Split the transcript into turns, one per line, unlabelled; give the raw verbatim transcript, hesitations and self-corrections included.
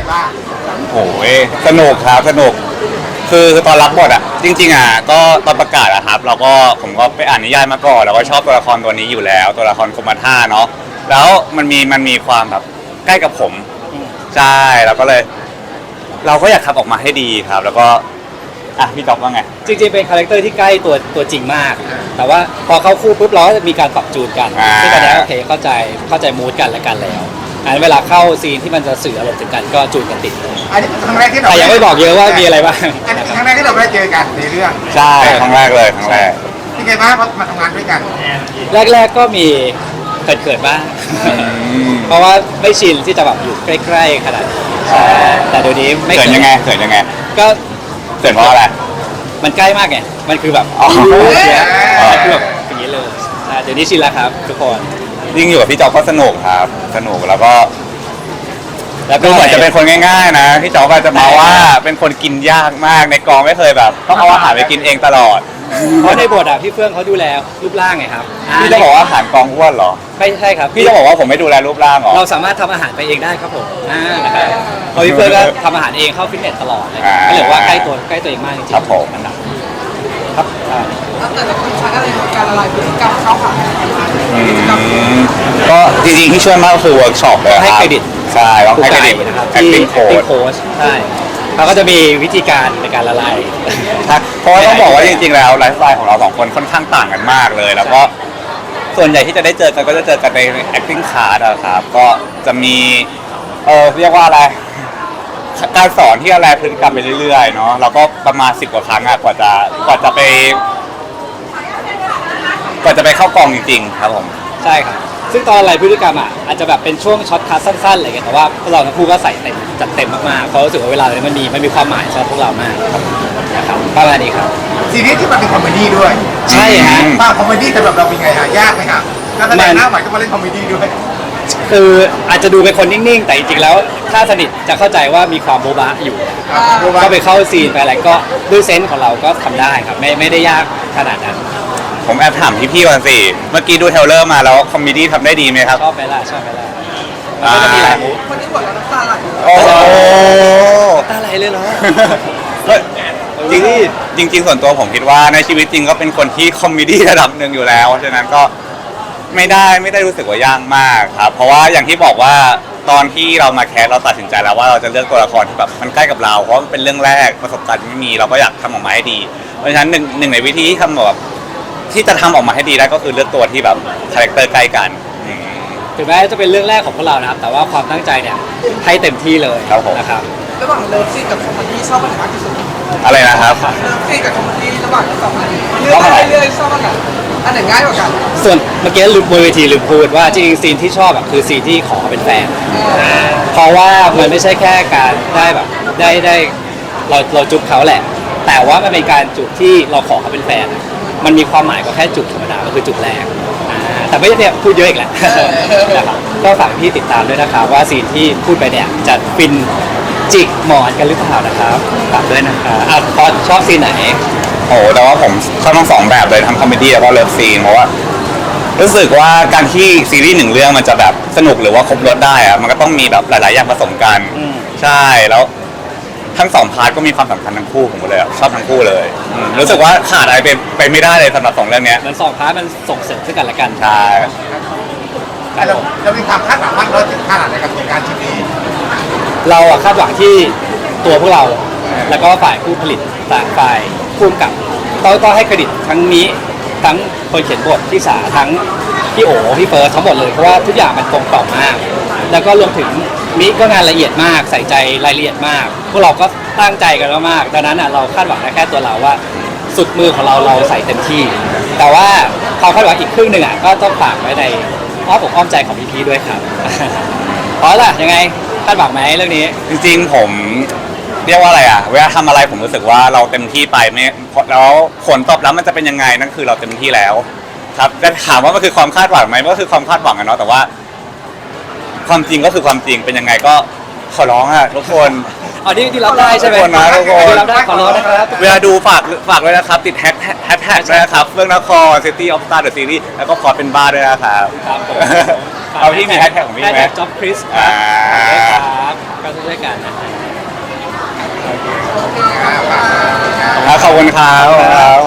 บ้าง
โอ้ยสนุกครับสนุกคือตอนรับบทอ่ะจริงๆอ่ะก็ตอนประกาศอะครับเราก็ผมก็ไปอ่านนิยายมาก่อนแล้วก็ชอบตัวละครตัวนี้อยู่แล้วตัวละครคุมาท่าเนาะแล้วมันมีมันมีความแบบใกล้กับผมใช่แล้วก็เลย เราก็อยากทำออกมาให้ดีครับ แล้วก็อ่ะพี่จ๊อบว่าไง
จริงๆเป็นคาแรคเตอร์ที่ใกล้ตัวตัวจริงมากแต่ว่าพอเข้าคู่ปุ๊บเราก็จะมีการปรับจูนกันที่ตอนนี้โอเคเข้าใจเข้าใจมูดกันและกันแล้วอันเวลาเข้าซีนที่มันจะสื่ออารมณ์ถึงกันก็จูนกันติด
อันนี้ครั้งแรกที่เรา
แต่ยังไม่บอกเยอะว่ามีอะไรบ้าง
อันนี้ครั้งแรกที่เราได้เจอกันในเรื่อง
ใช่ครั้งแรกเลยครั้งแรก
ที่ไงบ้างมาทำงานด้วยกัน
แรกๆก็มีเขินๆบ้างเพราะว่าไม่ชินที่จะแบบอยู่ใกล้ๆขนาดนี้แต่เดี๋ยวนี้ไม่
เขินยังไงเขินยังไง
ก็
เขินเพราะอะไร
มันใกล้มากไงมันคือแบบ
อ๋อ
คือแบบอย่างนี้เลยเดี๋ยวนี้ชินแล้วครับทุกคน
ยิ่งอยู่กับพี่จ๊อบก็สนุกครับสนุกแล้วก็แล้วก็เหมือนจะเป็นคนง่ายๆนะพี่จ๊อบก็จะมาว่าเป็นคนกินยากมากในกองไม่เคยแบบต้องเอาอาหารไปกินเองตลอด
เพราะในบทอ่ะพี่เฟื่องเขาดูแลรูปร่างไงครับ
พี่จะบอกว่าอาหารกองอ้วนเหรอ
ไม่ใช่ครับ
พี่จะบอกว่าผมไม่ดูแลรูปร่างหรอ
เราสามารถทำอาหารไปเองได้ครับผมอ่านะครับเพราะพี่เฟื่องก็ทำอาหารเองเข้าฟิตเนสตลอดเลยก็เลยว่าใกล้ตัวใกล้ตัวเองมากจริงๆ
ครับผม
อันดับครับ
แล้วแต่ละคนใช้อะไรในการละลายพฤติกรรมเข้าหา
ก็จริงๆที่ช่วยมากก็คือเวิร์กช็อปเลยครับ
ให้เครดิต
ใช่ต้องให้เครดิต
นะครับที่ acting coach ใช่เขาก็จะมีวิธีการในการละลาย
เพราะว่าต้องบอกว่าจริงๆแล้วไลฟ์สไตล์ของเราสองคนค่อนข้างต่างกันมากเลยแล้วก็ส่วนใหญ่ที่จะได้เจอกันก็จะเจอกันใน acting class นะครับก็จะมีเออเรียกว่าอะไรการสอนที่อะไรพฤติกรรมไปเรื่อยๆเนาะเราก็ประมาณสิบกว่าครั้งอะกว่าจะกว่าจะไปกว่าจะไปเข้ากองจริงๆครับผม
ใช่ครับซึ่งตอนอะไรพฤติกรรมอ่ะอาจจะแบบเป็นช่วงช็อตคัทสั้นๆอะไรเงี้ยแต่ว่าพวกเราทั้งคู่ก็ใส่เต็มจัดเต็มมากๆเพราะรู้สึกว่าเวลาเนี่ยมันมีมันมีความหมายสำหรับพวกเรามากนะครับประมาณนี้ครับ
ซีรีส์ที่มันเป็นคอมเมดี้ด้วย
ใช่ฮะ
ป้าคอมเมดี้สำหรับเราเป็นไงฮะยากไหมครับแล้วแสดงหน้าใหม่ก็มาเล่นคอมเมดี้ด้วย
คืออาจจะดูเป็นคนนิ่งๆแต่จริงๆแล้วถ้าสนิทจะเข้าใจว่ามีความโบ๊ะบะอยู่ก็ไปเข้าซีนไปอะไรก็ด้วยเซนส์ของเราก็ทำได้ครับไม่ไม่ได้ยากขนาดนั้น
ผมแอบถามพี่ๆก่อนสิเมื่อกี้ดูเทรลเลอร์มาแล้วคอมเมดี้ทำได้ดีไหมครับ
ชอบไปละชอบไปละมันก็จะมีหลายมุก
คนที่บทเราน้ำตาไหล
โอ้
ตาไหลเลยเหรอ
จริงจริงจริงส่วนตัวผมคิดว่าในชีวิตจริงก็เป็นคนที่คอมเมดี้ระดับหนึ่งอยู่แล้วเพราะฉะนั้นก็ไม่ได้ไม่ได้รู้สึกว่ายากมากครับเพราะว่าอย่างที่บอกว่าตอนที่เรามาแคสเราตัดสินใจแล้วว่าเราจะเลือกตัวละครที่แบบมันใกล้กับเราเพราะมันเป็นเรื่องแรกประสบการณ์ไม่มีเราก็อยากทำออกมาให้ดีเพราะฉะนั้นหนึ่งหนึ่งในวิธีที่ทำแบบที่จะทำออกมาให้ดีได้ก็คือเลือกตัวที่แบบคาแรคเตอร์ใกล้กัน
ถึงแม้จะเป็นเรื่องแรกของพวกเรานะครับแต่ว่าความตั้งใจเนี่ยให้เต็มที่เลยนะครับ
ระหว่างเลิฟซีนกับคอมเมดี้ชอบอันไหนมากที่สุด
อะไรนะครับ
เลิฟซีนกับคอมเมดี้ระหว่างสองอันเลือกอะไรเลือกชอบอันไหนอันไหนง่ายกว่ากัน
ส่วนเมื่อกี้ลืมบนเวทีลืมพูดว่าจริงๆซีนที่ชอบแบบคือซีนที่ขอเป็นแฟนเพราะว่ามันไม่ใช่แค่การได้แบบได้ได้เราเราจุ๊บเขาแหละแต่ว่ามันเป็นการจุ๊บที่เราขอเขาเป็นแฟนมันมีความหมายกว่าแค่จุ๊บธรรมดาก็คือจุ๊บแรกแต่ไม่ใช่เนี่ยพูดเยอะอีกแหละนะครับก็ฝากพี่ติดตามด้วยนะครับว่าซีนที่พูดไปเนี่ยจะฟินจิกหมอนกันหรือเปล่านะครับฝากด้วยนะครับอ่ะพอชอบซีนไหน
โอ้แต่ว่าผมชอบทั้งสองแบบเลยทั้งคอมเมดี้แล้วก็เลิฟซีนเพราะว่ารู้สึกว่าการที่ซีรีส์หนึ่งเรื่องมันจะแบบสนุกหรือว่าครบรสได้อะมันก็ต้องมีแบบหลายๆอย่างผสมกันใช่แล้วทั้งสองพาร์ทก็มีความสำคัญทั้งคู่ผมเลยชอบทั้งคู่เลยรู้สึกว่าขาดอะไรไปไปไม่ได้เลยสำหรับสองเรื่องนี้
มันสองพาร์ทมันส่งเสริมซึ่งกันและกัน
ใช่
เราเรามีความคาดหวังมากน้อยถึงขนาดไหนกับการชิ้นนี้
เราอะคาดหวังที่ตัวพวกเราแล้วก็ฝ่ายผู้ผลิตฝ่ายผู้กำกับต้องต้องให้เครดิตทั้งนี้ทั้งคนเขียนบทที่สาทั้งพี่โอพี่เฟิร์สทั้งหมดเลยเพราะว่าทุกอย่างมันตรงต่อมากแล้วก็รวมถึงมิก็งานละเอียดมากใส่ใจรายละเอียดมากพวกเราก็ตั้งใจกันมากดังนั้นอ่ะเราคาดหวังได้แค่ตัวเราว่าสุดมือของเราเราใส่เต็มที่แต่ว่าความคาดหวังอีกครึ่งหนึ่งอ่ะก็ต้องฝากไว้ในอ้อมอกอ้อมใจของพี่ๆด้วยครับเพราะล่ะยังไงคาดหวังไหมเรื่องนี้
จริงๆผมเรียกว่าอะไรอ่ะเวลาทำอะไรผมรู้สึกว่าเราเต็มที่ไปไม่แล้วผลตอบรับมันจะเป็นยังไงนั่นคือเราเต็มที่แล้วครับจะถามว่ามันคือความคาดหวังไหมมันก็คือความคาดหวังอะเนาะแต่ว่าความจริงก็คือความจริงเป็นยังไงก็ขอร้องอ่ะทุกคน
อ๋อที่ที่รับได้ใช่ไหม
ทุกคนนะทุกคน
รับได้ขอร้องนะครับ
เวลาดูฝากฝากด้วยนะครับติดแฮชแท็กด้วยนะครับเฟื่องนคร City of Star The Series แล้วก็ขอเป็นบ้าด้วยนะครับ
ครับผม
เอาที่มีแฮชแท็กของพี่ไหม
จ็อบคริสครับก็ช่วยๆกันนะ
อ่าฝากงาน
ขอบคุณครับ